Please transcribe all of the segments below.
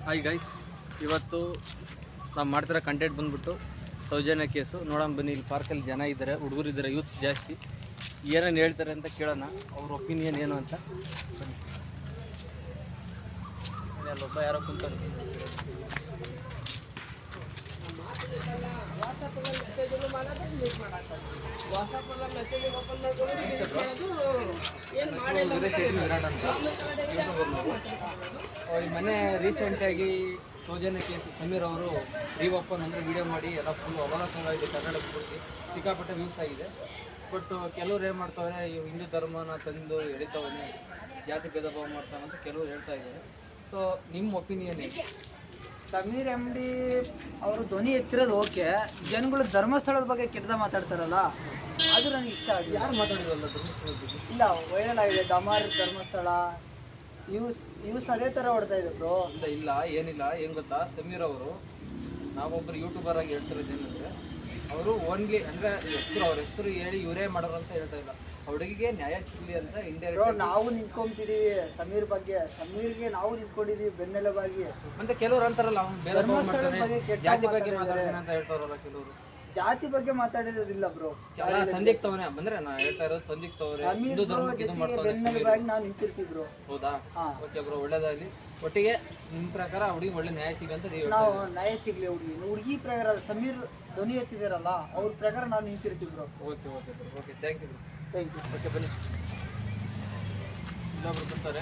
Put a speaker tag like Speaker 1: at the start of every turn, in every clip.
Speaker 1: Hi guys, ಇವತ್ತು ನಾವು ಮಾಡ್ತಿರೋ ಕಂಟೆಂಟ್ ಬಂದ್ಬಿಟ್ಟು ಸೌಜನ್ಯ ಕೇಸು. ನೋಡೋಣ ಬನ್ನಿ, ಇಲ್ಲಿ ಪಾರ್ಕಲ್ಲಿ ಜನ ಇದ್ದಾರೆ, ಹುಡುಗರು ಇದ್ದಾರೆ, ಯೂತ್ಸ್ ಜಾಸ್ತಿ. ಏನೇನು ಹೇಳ್ತಾರೆ ಅಂತ ಕೇಳೋಣ, ಅವ್ರ ಒಪಿನಿಯನ್ ಏನು ಅಂತ. ಬನ್ನಿ. ಅಲ್ಲೊಬ್ಬ ಯಾರೋ ಕುಂತಾರೆ. ಈ ಮನೆ ರೀಸೆಂಟಾಗಿ ಸೌಜನ್ಯ ಕೇಸು ಸಮೀರ್ ಅವರು ರೀಓಪನ್ ಅಂದರೆ ವಿಡಿಯೋ ಮಾಡಿ ಎಲ್ಲ ಫುಲ್ ಅವಲೋಕನವಾಗಿದೆ. ಕನ್ನಡ ಪೂರ್ತಿ ಸಿಕ್ಕಾಪಟ್ಟೆ ವ್ಯೂಸ್ ಆಗಿದೆ. ಬಟ್ ಕೆಲವ್ರು ಏನು ಮಾಡ್ತಾವ್ರೆ, ಹಿಂದೂ ಧರ್ಮನ ತಂದು ಎಳಿತಾವನೆ, ಜಾತಿ ಭೇದ ಭಾವ ಮಾಡ್ತಾನೆ ಅಂತ ಕೆಲವ್ರು ಹೇಳ್ತಾ ಇದ್ದಾರೆ. ಸೊ ನಿಮ್ಮ ಒಪಿನಿಯನ್ ಏನು?
Speaker 2: ಸಮೀರ್ ಎಮ್ ಡಿ ಅವರು ಧ್ವನಿ ಎತ್ತಿರೋದು ಓಕೆ, ಜನಗಳು ಧರ್ಮಸ್ಥಳದ ಬಗ್ಗೆ ಕೆಟ್ಟದ ಮಾತಾಡ್ತಾರಲ್ಲ, ಅದು ನನಗೆ ಇಷ್ಟ ಆಗಿದೆ.
Speaker 1: ಯಾರು ಮಾತಾಡಿರಲ್ಲ ಧರ್ಮಸ್ಥಳದ ಬಗ್ಗೆ?
Speaker 2: ಇಲ್ಲ, ವೈರಲ್ ಆಗಿದೆ ಡಮಾರ್ ಧರ್ಮಸ್ಥಳ ಯೂಸ್ ಅದೇ ಥರ ಹೊಡ್ತಾ ಇದೆ ಬ್ರೋ.
Speaker 1: ಇಲ್ಲ ಏನಿಲ್ಲ, ಏನು ಗೊತ್ತಾ, ಸಮೀರ್ ಅವರು ನಾವೊಬ್ಬರು ಯೂಟ್ಯೂಬರ್ ಆಗಿ ಹೇಳ್ತಿರೋದು ಏನಂದರೆ, ಅವರು ಓನ್ಲಿ ಅಂದರೆ ಅವ್ರ ಹೆಸರು ಹೇಳಿ ಇವರೇ ಮಾಡೋರು ಅಂತ ಹೇಳ್ತಾ ಇಲ್ಲ. ಹುಡುಗಿಗೆ ನ್ಯಾಯ ಸಿಗಲಿ ಅಂತ ಇಂಡೈರೆಕ್ಟ್
Speaker 2: ನಾವು ನಿಂತ್ಕೊಂತಿದೀವಿ. ಸಮೀರ್ಗೆ ನಾವು ನಿಂತ್ಕೊಂಡಿದೀವಿ ಬೆನ್ನೆಲುಬಾಗಿ.
Speaker 1: ಮತ್ತೆ ಕೆಲವ್ರು ಅಂತಾರಲ್ಲ, ಅವ್ನು ಭೇದ ಭಾವ ಮಾಡ್ತಾನೆ, ಜಾತಿ ಬಗ್ಗೆ ಮಾತಾಡ್ತಾನೆ ಅಂತ ಹೇಳ್ತಾರಲ್ಲ ಕೆಲವರು.
Speaker 2: ಜಾತಿ ಬಗ್ಗೆ ಮಾತಾಡಿರೋದಿಲ್ಲ ಬ್ರೋ.
Speaker 1: ತಂದಿಕ್ತವನೇ ಬಂದ್ರೆ ನಾ ಹೇಳ್ತಾ ಇರೋದು, ತಂದಿಕ್ತವ್ರೆ ಹಿಂದೂ ಧರ್ಮಕ್ಕೆ ಇದು ಮಾಡ್ತಾನೆ.
Speaker 2: ನಾವು ನಿಂತಿರ್ತೀವಿ ಬ್ರೋ.
Speaker 1: ಹೌದಾ? ಓಕೆ ಬ್ರೋ, ಒಳ್ಳೇದಾಗಲಿ. ಒಟ್ಟಿಗೆ ನಿಮ್ಮ ಪ್ರಕಾರ ಹುಡುಗಿ ಒಳ್ಳೆ ನ್ಯಾಯ ಸಿಗಂತ
Speaker 2: ನಾವು ನ್ಯಾಯ ಸಿಗ್ಲಿ ಹುಡುಗಿ ಪ್ರಕಾರ. ಸಮೀರ್ ಧ್ವನಿ ಎತ್ತಿದಾರಲ್ಲ, ಅವ್ರ ಪ್ರಕಾರ ನಾವು ನಿಂತಿರ್ತೀವಿ bro.
Speaker 1: Okay okay bro, okay, thank you bro.
Speaker 2: Thank you.
Speaker 1: Okay, ಬನ್ನಿ. ಇನ್ನೊಬ್ರು ಬರ್ತಾರೆ.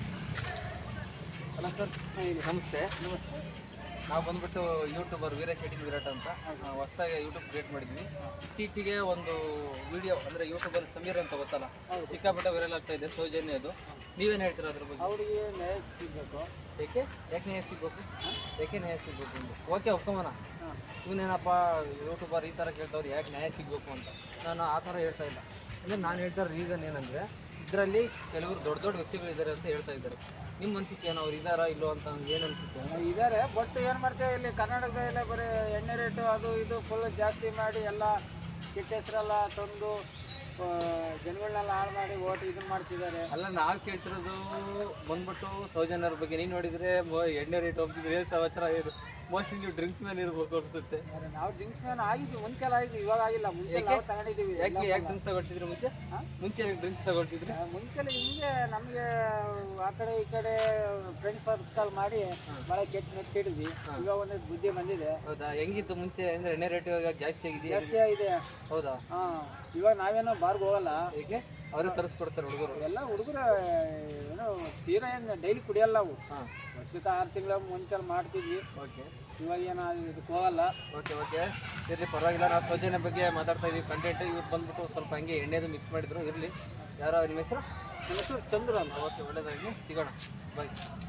Speaker 1: ಅಲ್ಲ ಸರ್, ನಮಸ್ತೆ.
Speaker 2: ನಮಸ್ತೆ.
Speaker 1: ನಾವು ಬಂದ್ಬಿಟ್ಟು ಯೂಟ್ಯೂಬರ್ ವೀರೇಶ್ ಎಡಿಂಗ್ ವಿರಾಟ್ ಅಂತ ಹೊಸದಾಗಿ ಯೂಟ್ಯೂಬ್ ಕ್ರಿಯೇಟ್ ಮಾಡಿದ್ವಿ. ಇತ್ತೀಚೆಗೆ ಒಂದು ವಿಡಿಯೋ ಅಂದರೆ ಯೂಟ್ಯೂಬಲ್ಲಿ ಸಮೀರ್ ಅಂತ ಗೊತ್ತಲ್ಲ, ಸಿಕ್ಕಾಪಟ್ಟೆ ವೈರಲ್ ಆಗ್ತಾ ಇದೆ ಸೌಜನ್ಯದು. ನೀವೇನು ಹೇಳ್ತೀರಾ ಅದ್ರ ಬಗ್ಗೆ?
Speaker 2: ಅವರಿಗೆ ನ್ಯಾಯ ಸಿಗಬೇಕು.
Speaker 1: ಯಾಕೆ ನ್ಯಾಯ ಸಿಗಬೇಕು? ಯಾಕೆ ನ್ಯಾಯ ಸಿಗಬೇಕು ಅಂತ ಓಕೆ ಒಪ್ಕೊಂಬನ. ಇವನೇನಪ್ಪ ಯೂಟ್ಯೂಬರ್ ಈ ಥರ ಕೇಳ್ತವ್ರು, ಯಾಕೆ ನ್ಯಾಯ ಸಿಗಬೇಕು ಅಂತ. ನಾನು ಆ ಥರ ಹೇಳ್ತಾ ಇಲ್ಲ. ಅಂದರೆ ನಾನು ಹೇಳ್ತಾ ರೀಸನ್ ಏನಂದರೆ, ಇದರಲ್ಲಿ ಕೆಲವರು ದೊಡ್ಡ ದೊಡ್ಡ ವ್ಯಕ್ತಿಗಳಿದ್ದಾರೆ ಅಂತ ಹೇಳ್ತಾ ಇದ್ದಾರೆ. ನಿಮ್ಮ ಅನಿಸಿಕೆ ಏನು, ಅವ್ರು ಇದ್ದಾರಾ ಇಲ್ಲೋ ಅಂತ ಏನು ಅನಿಸುತ್ತೆ?
Speaker 2: ಇದ್ದಾರೆ, ಬಟ್ ಏನು ಮಾಡ್ತೇವೆ, ಇಲ್ಲಿ ಕರ್ನಾಟಕದಲ್ಲೇ ಬರೀ ಎಣ್ಣೆ ರೇಟು ಅದು ಇದು ಫುಲ್ ಜಾಸ್ತಿ ಮಾಡಿ ಎಲ್ಲ ಕೆಟ್ಟ ಹೆಸರೆಲ್ಲ ತಂದು ಜನಗಳನ್ನೆಲ್ಲ ಹಾಳು ಮಾಡಿ ಓಟ್ ಇದನ್ನು ಮಾಡ್ತಿದ್ದಾರೆ.
Speaker 1: ಅಲ್ಲ, ನಾವು ಕೇಳ್ತಿರೋದು ಬಂದ್ಬಿಟ್ಟು ಸೌಜನ್ಯರ ಬಗ್ಗೆ. ನೀನು ನೋಡಿದರೆ ಎಣ್ಣೆ ರೇಟ್ ಹೋಗ್ತಿದ್ರೆ ಸವಚರ ಇದು ಮೋಸ್ಟ್ಲಿ ನೀವು ಡ್ರಿಂಕ್ಸ್ ಮೇಲೆ ಇರ್ಬೇಕು ಅನ್ಸುತ್ತೆ.
Speaker 2: ನಾವು ಡ್ರಿಂಕ್ಸ್ ಮೇಲೆ ಆಗಿದ್ವಿ, ಮುಂಚೆ ಆಗಿದ್ವಿ, ಇವಾಗ ಆಗಿಲ್ಲ. ಮುಂಚೆ ತಗೊಂಡಿದ್ದೀವಿ.
Speaker 1: ಯಾಕೆ ಡ್ರಿಂಕ್ಸ್ ತಗೊಳ್ತಿದ್ರಿ ಮುಂಚೆ ಡ್ರಿಂಕ್ಸ್ ತಗೊಳ್ತಿದ್ರಿ?
Speaker 2: ಮುಂಚೆಲ್ಲ ಹಿಂಗೆ ನಮಗೆ ಆ ಕಡೆ ಈ ಕಡೆ ಫ್ರೆಂಡ್ಸ್ ಸರ್ಕಲ್ ಮಾಡಿ ಭಾಳ ಕೆಟ್ಟಿದ್ವಿ. ಇವಾಗ ಒಂದು ಬುದ್ಧಿ ಬಂದಿದೆ.
Speaker 1: ಹೌದಾ? ಹೆಂಗಿತ್ತು ಮುಂಚೆ ಅಂದರೆ ಎಣ್ಣೆ ರೇಟ್ ಇವಾಗ ಜಾಸ್ತಿ
Speaker 2: ಆಗಿದೆ?
Speaker 1: ಹೌದಾ?
Speaker 2: ಇವಾಗ ನಾವೇನೋ ಬಾರ್ಗೆ ಹೋಗಲ್ಲ.
Speaker 1: ಹೇಗೆ ಅವರೇ ತರಿಸ್ಕೊಡ್ತಾರೆ ಹುಡುಗರು?
Speaker 2: ಎಲ್ಲ ಹುಡುಗರು ಏನೋ ತೀರಾ ಏನು ಡೈಲಿ ಕುಡಿಯಲ್ಲ ನಾವು. ವರ್ಷದ 6 ತಿಂಗಳ ಮುಂಚೆ ಮಾಡ್ತಿದ್ವಿ.
Speaker 1: ಓಕೆ,
Speaker 2: ಇವಾಗ ಏನೋ ಇದಕ್ಕೆ ಹೋಗಲ್ಲ.
Speaker 1: ಓಕೆ ಓಕೆ, ಇರಲಿ, ಪರವಾಗಿಲ್ಲ. ನಾವು ಸೌಜನ್ಯ ಬಗ್ಗೆ ಮಾತಾಡ್ತಾ ಇದೀವಿ ಕಂಟೆಂಟ್. ಇವ್ರು ಬಂದ್ಬಿಟ್ಟು ಸ್ವಲ್ಪ ಹಂಗೆ ಎಣ್ಣೆದು ಮಿಕ್ಸ್ ಮಾಡಿದ್ರು. ಇರಲಿ. ಯಾರೋ ನಿಮ್ಮ ಹೆಸರು?
Speaker 2: ನನ್ನ ಹೆಸರು ಚಂದ್ರ ಅಂತ.
Speaker 1: ಓಕೆ, ಒಳ್ಳೇದಾಗಿ, ಸಿಗೋಣ, ಬಾಯ್.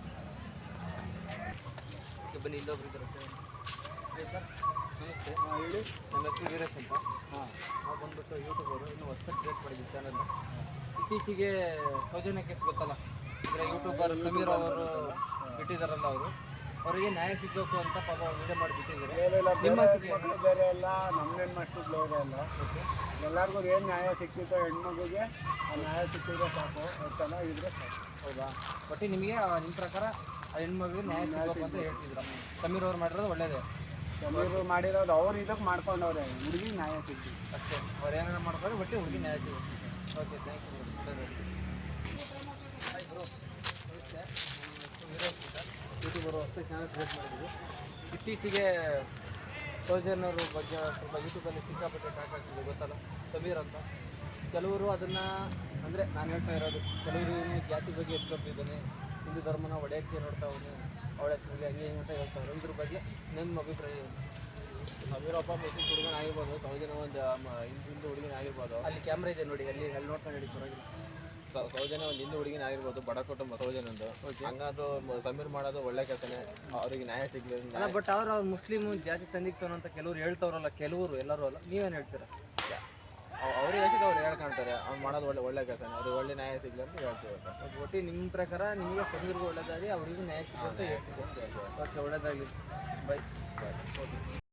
Speaker 1: ಓಕೆ, ಬನ್ನಿ, ಇಲ್ಲೊಬ್ರು ಇದ್ದಾರೆ. ಹಾಯ್ ಸರ್, ನಮಸ್ತೆ.
Speaker 2: ಹೇಳಿ.
Speaker 1: ನಮ್ಮ ಹೆಸರು ವೀರೇಶ್ ಅಂತ. ನಾವು ಬಂದ್ಬಿಟ್ಟು ಯೂಟ್ಯೂಬರು, ಇನ್ನೂ ಹೊಸದಾಗಿ ಕ್ರಿಯೇಟ್ ಮಾಡಿದ್ವಿ ಚಾನಲ್ನ. ಇತ್ತೀಚೆಗೆ ಸೌಜನ್ಯ ಕೇಸ್ ಗೊತ್ತಲ್ಲ, ಅಂದರೆ ಯೂಟ್ಯೂಬರ್ ಸಮೀರ್ ಅವರು ಬಿಟ್ಟಿದ್ದಾರಲ್ಲ, ಅವರಿಗೆ ನ್ಯಾಯ ಸಿಗಬೇಕು ಅಂತ ಪಾಪ ವಿಡಿಯೋ ಮಾಡಿಬಿಟ್ಟಿದ್ದಾರೆ. ನಿಮ್ಮ
Speaker 2: ಬೇರೆ ಎಲ್ಲ ನಮ್ಮ ಹೆಣ್ಮಕ್ಳು ಬೇರೆ ಎಲ್ಲ. ಎಲ್ಲರಿಗೂ ಏನು ನ್ಯಾಯ ಸಿಕ್ತಿತ್ತೋ ಹೆಣ್ಮಗುಗೆ ಆ ನ್ಯಾಯ ಸಿಕ್ಕಿದ್ರೆ ಸಾಕು, ಚೆನ್ನಾಗಿದ್ರೆ ಸಾಕು.
Speaker 1: ಹೌದಾ? ಒಟ್ಟು ನಿಮಗೆ ನಿಮ್ಮ ಪ್ರಕಾರ ಆ ಹೆಣ್ಮಗಳಿಗೆ ನ್ಯಾಯ ಸಿಗಬೇಕು ಅಂತ ಹೇಳ್ತಿದ್ರು. ಸಮೀರ್ ಅವ್ರು ಮಾಡಿರೋದು ಒಳ್ಳೇದೇ.
Speaker 2: ಸಮೀರ್ ಮಾಡಿರೋದು ಅವ್ರು ಇದಕ್ಕೆ ಮಾಡ್ಕೊಂಡವ್ರೆ, ಹುಡುಗಿ ನ್ಯಾಯ ಸಿಗ್ತಿ
Speaker 1: ಅಷ್ಟೇ. ಅವ್ರು ಏನಾರು ಮಾಡ್ಕೊಂಡು ಒಟ್ಟು ಹುಡುಗಿ ನ್ಯಾಯ ಸಿಗುತ್ತೆ. Okay, thank you. Hi bro, ನಮಸ್ತೆ. ಯೂಟ್ಯೂಬರು ಹೊಸ ಚಾನಲ್ ಕ್ರಿಯೇಟ್ ಮಾಡಿದ್ವಿ. ಇತ್ತೀಚೆಗೆ ಸೌಜನ್ಯವ್ರ ಬಗ್ಗೆ ಸ್ವಲ್ಪ ಯೂಟ್ಯೂಬಲ್ಲಿ ಸಿಕ್ಕಾಪಟ್ಟೆ ಟ್ಯಾಕ್ ಆಗ್ತಿದೆ, ಗೊತ್ತಲ್ಲ, ಸಮೀರ್ ಅಂತ. ಕೆಲವರು ಅದನ್ನು ಅಂದರೆ ನಾನು ಹೇಳ್ತಾ ಇರೋದು, ಕೆಲವರು ಜಾತಿ ಬಗ್ಗೆ ಎತ್ಕೊತಿದ್ದಾನೆ, ಹಿಂದೂ ಧರ್ಮನ ಒಡೆಯೋಕ್ಕೆ ನೋಡ್ತಾ ಅವನು, ಅವಳ ಹೆಸರಲ್ಲಿ ಹಂಗೆ ಹಿಂಗೆ ಅಂತ ಹೇಳ್ತಾರೆ. ಇದ್ರ ಬಗ್ಗೆ ನಿಮ್ಮ ಅಭಿಪ್ರಾಯ ಏನು?
Speaker 3: ಸಮೀರಪ್ಪ ಮುಸ್ಲಿಂ ಹುಡುಗನ ಆಗಿರ್ಬೋದು, ಸೌಜನ್ಯ ಒಂದು ಹಿಂದೂ ಹುಡುಗಿನ ಆಗಿರ್ಬೋದು.
Speaker 1: ಅಲ್ಲಿ ಕ್ಯಾಮ್ರಾ ಇದೆ ನೋಡಿ, ಅಲ್ಲಿ ನೋಡ್ಕೊಂಡು ಹೇಳಿ ಪರವಾಗಿಲ್ಲ.
Speaker 3: ಸೌಜನ್ಯ ಒಂದು ಹಿಂದೂ ಹುಡುಗಿನ ಆಗಿರ್ಬೋದು, ಬಡ ಕುಟುಂಬ ಸೌಜನ್ಯಂದು. ಹಂಗಾದ್ರು ಸಮೀರ್ ಮಾಡೋದು ಒಳ್ಳೆ ಕೆಲಸನೇ, ಅವ್ರಿಗೆ ನ್ಯಾಯ ಸಿಗ್ಲಿ.
Speaker 1: ಬಟ್ ಅವ್ರು ಮುಸ್ಲಿಮ್ ಜಾತಿ ತಂದಿಕ್ತಾನ ಅಂತ ಕೆಲವ್ರು ಹೇಳ್ತಾವ್ರಲ್ಲ, ಕೆಲವರು ಎಲ್ಲರೂ ಅಲ್ಲ, ನೀವೇನು ಹೇಳ್ತೀರಾ?
Speaker 3: ಅವ್ರಿಗೆ ಹೇಳ್ತಿದ್ದು ಅವ್ರು ಹೇಳ್ಕೊಂತಾರೆ, ಅವ್ನು ಮಾಡೋದು ಒಳ್ಳೆ ಕೆಲಸನೇ, ಅವ್ರಿಗೆ ಒಳ್ಳೆ ನ್ಯಾಯ ಸಿಗ್ಲಿ ಅಂತ ಹೇಳ್ತೀವಿ.
Speaker 1: ಒಟ್ಟು ನಿಮ್ಮ ಪ್ರಕಾರ ನಿಮಗೆ ಸಮೀರ್ಗೂ ಒಳ್ಳೇದಾಗಲಿ, ಅವರಿಗೂ ನ್ಯಾಯ ಸಿಗುತ್ತೆ ಅಂತ ಹೇಳ್ತಿದ್ದೆ. ಓಕೆ, ಒಳ್ಳೇದಾಗಲಿ, ಬೈ.